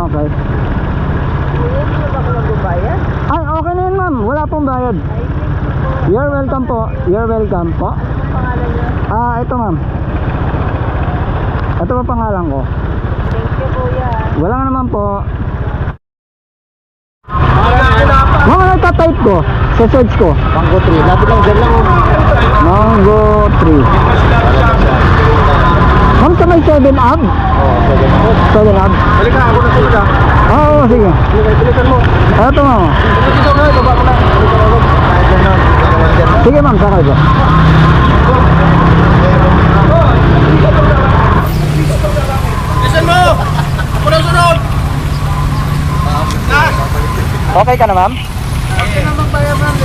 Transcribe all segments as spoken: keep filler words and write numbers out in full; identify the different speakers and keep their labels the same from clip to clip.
Speaker 1: okay.
Speaker 2: Hindi na ba ako magbabayad?
Speaker 1: Ay, okay na yun ma'am. Wala pong bayad.
Speaker 2: Ay, thank you po.
Speaker 1: You're welcome po. You're welcome po.
Speaker 2: Anong pangalan niyo?
Speaker 1: Ah, ito ma'am. Ito pa pangalan ko.
Speaker 2: Thank you, kuya.
Speaker 1: Wala nga naman po. Mga nagtatype ko sa search ko.
Speaker 3: Mango tree. Lapit lang dyan lang.
Speaker 1: Mango tree. Ma'am, sa may seven up?
Speaker 3: Oh, pwede na.
Speaker 1: seven up?
Speaker 3: Balik ka, ako na tulog ka.
Speaker 1: Oo, sige.
Speaker 3: Bilisan mo.
Speaker 1: Ito ma'am.
Speaker 3: Bilisan mo, baba ko na. Bilisan mo. Kahit dyan na. Dyan na.
Speaker 1: Sige ma'am, sakay po.
Speaker 3: Bilisan mo! Ako na sunod!
Speaker 1: Okay ka na ma'am?
Speaker 3: Okay na magbayad ma'am.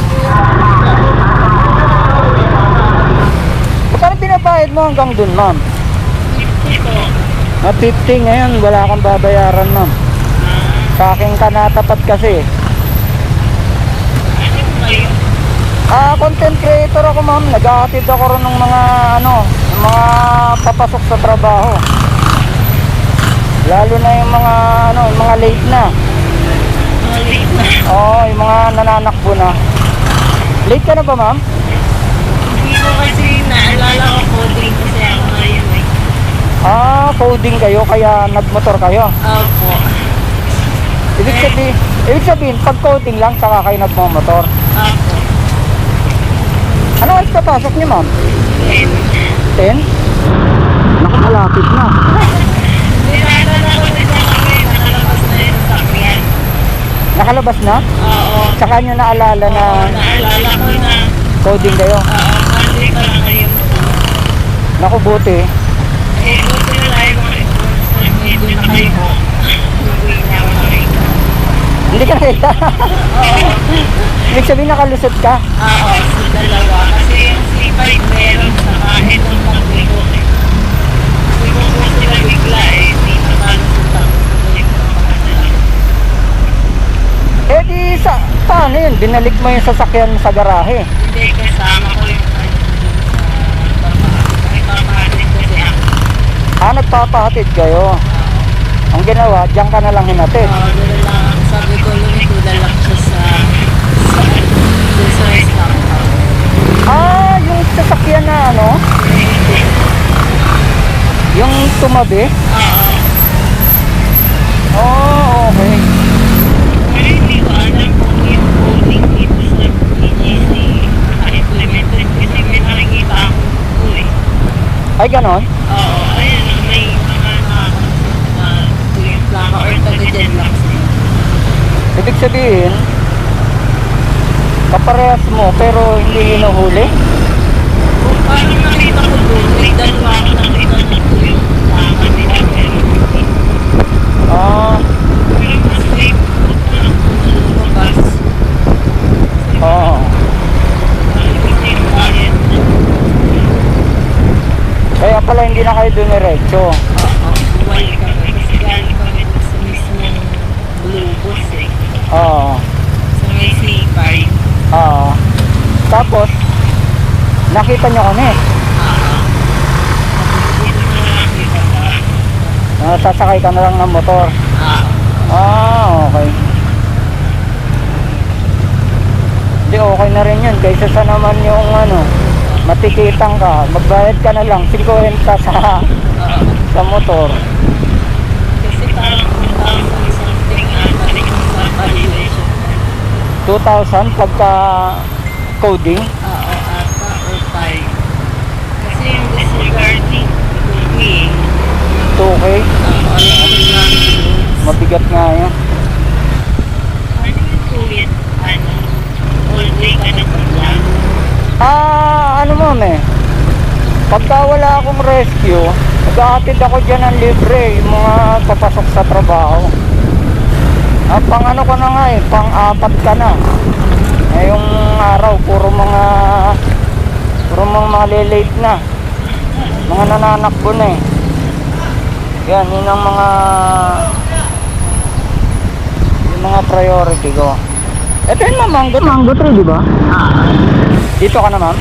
Speaker 1: Magkano pinabayad mo hanggang dun ma'am? Na fifty ngayon, wala kang babayaran ma'am. Sa akin ka natapat kasi. Ah, content creator ako ma'am. Nag-aatid ako rin ng mga ano, ng mga papasok sa trabaho. Lalo na yung mga ano, yung mga late na.
Speaker 2: Late na.
Speaker 1: Oo, yung mga nananakbo na. Late ka na ba ma'am?
Speaker 2: Hindi ko kasi naalala ko coding kasi ako ngayon eh.
Speaker 1: Ah, coding kayo kaya nagmotor kayo.
Speaker 2: Opo.
Speaker 1: Ibig sabihin, ibig sabihin pag coding lang saka kayo nagmamotor.
Speaker 2: Opo.
Speaker 1: Ano oras ka pasok niyo ma'am?
Speaker 2: Then,
Speaker 1: ten? Naku, malapit na.
Speaker 2: nilala ko din sa kami, nakalabas na yun sa sakyan.
Speaker 1: Nakalabas na?
Speaker 2: Oo.
Speaker 1: Saka nyo naalala na
Speaker 2: Oo, naalala ko na.
Speaker 1: coding kayo.
Speaker 2: Oo, Monday pa lang ngayon.
Speaker 1: Naku, buti.
Speaker 2: Eh, buti na lang yung mga influencer, medyo na kayo. Uwi na ako nakita.
Speaker 1: Hindi ka nakita.
Speaker 2: Oo.
Speaker 1: Ibig sabihin nakalusot ka.
Speaker 2: Oo, sa dalawa. Kasi yung C five meron sa kahit ng pagbigo. Siguro po sila bigla eh, hindi nakalusot ako.
Speaker 1: Eh di sa, paano yun? Binalik mo yung sasakyan sa garahe.
Speaker 2: Hindi, kasama ko yung ano sa pagpapahalik kasi ako.
Speaker 1: Ah, nagpapahatid kayo. Ang ginawa, diyan ka na lang hinatid.
Speaker 2: Oo, doon lang. Sabi ko, lumituda lang siya sa sa doon sa restaurant.
Speaker 1: Ah, yung sasakyan na ano, yung tumabi.
Speaker 2: Oo.
Speaker 1: Oh, okay.
Speaker 2: Pero hindi ko alam kung yung coding dito sa P G C na-implemented kasi may nakikita ako po eh.
Speaker 1: Ay, ganon?
Speaker 2: Oo, ayun, may mga nakakasunod na yung plaka or taga-dyan lang sila.
Speaker 1: Ibig sabihin, kaparehas mo pero hindi hinuhuli?
Speaker 2: Kung parang nakita ko doon, may dalawa ako nakita na po yung plaka nila pero hindi.
Speaker 1: Ah,
Speaker 2: Pero mas safe po na lang po na lumabas.
Speaker 1: oo.
Speaker 2: Kasi yung client na
Speaker 1: Kaya pala hindi na kayo dumiretso.
Speaker 2: oo, buwal kami kasi galing kami doon sa mismong Blue Bus eh.
Speaker 1: Oo.
Speaker 2: Sa may C five.
Speaker 1: Oo. Tapos, nakita nyo kami.
Speaker 2: Oo. Dito na lang kita sa
Speaker 1: Ah, sasakay ka na lang ng motor.
Speaker 2: oo.
Speaker 1: Ah, okay. Hindi, okay na rin yun. Kaysa sa naman yung ano, matikitang ka, magbayad ka na lang, fifty sa,
Speaker 2: Oo.
Speaker 1: sa motor.
Speaker 2: Kasi parang two thousand something ata sa valuation.
Speaker 1: two thousand pagka coding.
Speaker 2: Oo, ata or five. Kasi yung disregarding cooking,
Speaker 1: two K.
Speaker 2: oo, yung
Speaker 1: Mabigat nga yun.
Speaker 2: ano yung tuwid? Ano? All day ka na lang.
Speaker 1: Ah, ano ma'am eh. Pagka wala akong rescue, nag-aatid ako dyan ng libre, yung mga papasok sa trabaho. Ah, pang ano ko na nga eh, pang apat ka na. Ngayong araw, puro mga puro mga malilate na. Mga nananakbo na eh. Yan, yun ang mga yung mga priority ko. Ito yun ma'am, mango, mango tree, di ba?
Speaker 2: Oo.
Speaker 1: Dito ka na ma'am?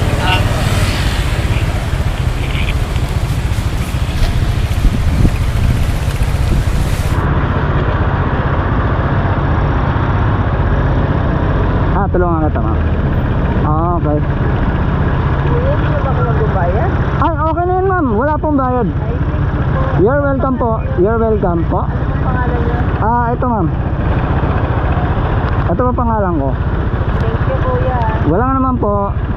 Speaker 1: matulungan kita ma'am. Ah, okay.
Speaker 2: Kuya, hindi na ba ako magbabayad?
Speaker 1: Ay, okay na yun ma'am. Wala pong bayad.
Speaker 2: Ay, thank you po.
Speaker 1: You're welcome po. You're welcome po.
Speaker 2: Anong pangalan niyo?
Speaker 1: Ah, ito ma'am. Ito pa pangalan ko.
Speaker 2: Thank you, kuya.
Speaker 1: Wala naman po.